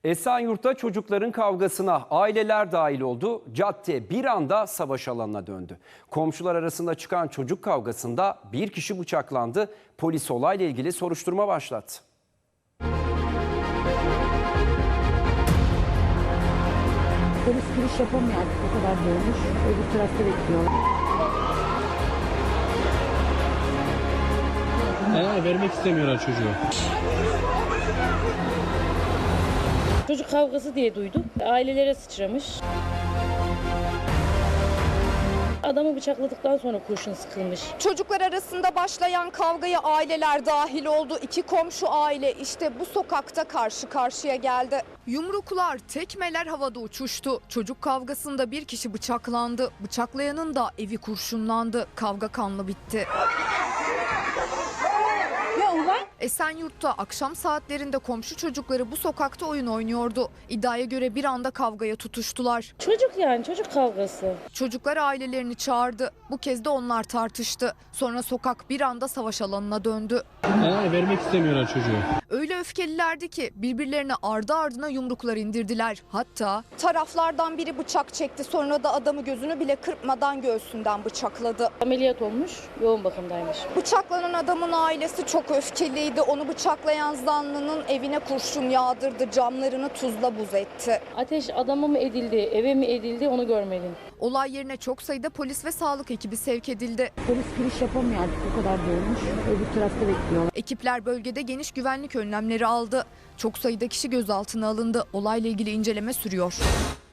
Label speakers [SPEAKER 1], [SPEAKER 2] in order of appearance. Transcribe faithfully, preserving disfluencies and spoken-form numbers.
[SPEAKER 1] Esenyurt'ta çocukların kavgasına aileler dahil oldu. Cadde bir anda savaş alanına döndü. Komşular arasında çıkan çocuk kavgasında bir kişi bıçaklandı. Polis olayla ilgili soruşturma başlattı.
[SPEAKER 2] Polis giriş yapamıyor artık, o kadar dolmuş. Öbür tarafta bekliyorlar.
[SPEAKER 3] Ee, vermek istemiyorlar çocuğu.
[SPEAKER 4] Çocuk kavgası diye duydum. Ailelere sıçramış. Adamı bıçakladıktan sonra kurşun sıkılmış.
[SPEAKER 5] Çocuklar arasında başlayan kavgaya aileler dahil oldu. İki komşu aile işte bu sokakta karşı karşıya geldi. Yumruklar, tekmeler havada uçuştu. Çocuk kavgasında bir kişi bıçaklandı. Bıçaklayanın da evi kurşunlandı. Kavga kanlı bitti. Esenyurt'ta akşam saatlerinde komşu çocukları bu sokakta oyun oynuyordu. İddiaya göre bir anda kavgaya tutuştular.
[SPEAKER 4] Çocuk yani çocuk kavgası.
[SPEAKER 5] Çocuklar ailelerini çağırdı. Bu kez de onlar tartıştı. Sonra sokak bir anda savaş alanına döndü.
[SPEAKER 3] Ee, vermek istemiyorlar çocuğu.
[SPEAKER 5] Öyle öfkelilerdi ki birbirlerine ardı ardına yumruklar indirdiler. Hatta taraflardan biri bıçak çekti. Sonra da adamı gözünü bile kırpmadan göğsünden bıçakladı.
[SPEAKER 4] Ameliyat olmuş, yoğun bakımdaymış.
[SPEAKER 5] Bıçaklanan adamın ailesi çok öfkeliydi. Onu bıçaklayan zanlının evine kurşun yağdırdı. Camlarını tuzla buz etti.
[SPEAKER 4] Ateş adama mı edildi, eve mi edildi onu görmedim.
[SPEAKER 5] Olay yerine çok sayıda polis ve sağlık ekibi sevk edildi.
[SPEAKER 2] Polis giriş yapamıyor artık, o kadar dolmuş. Öbür tarafta bekliyorlar.
[SPEAKER 5] Ekipler bölgede geniş güvenlik önlemleri aldı. Çok sayıda kişi gözaltına alındı. Olayla ilgili inceleme sürüyor.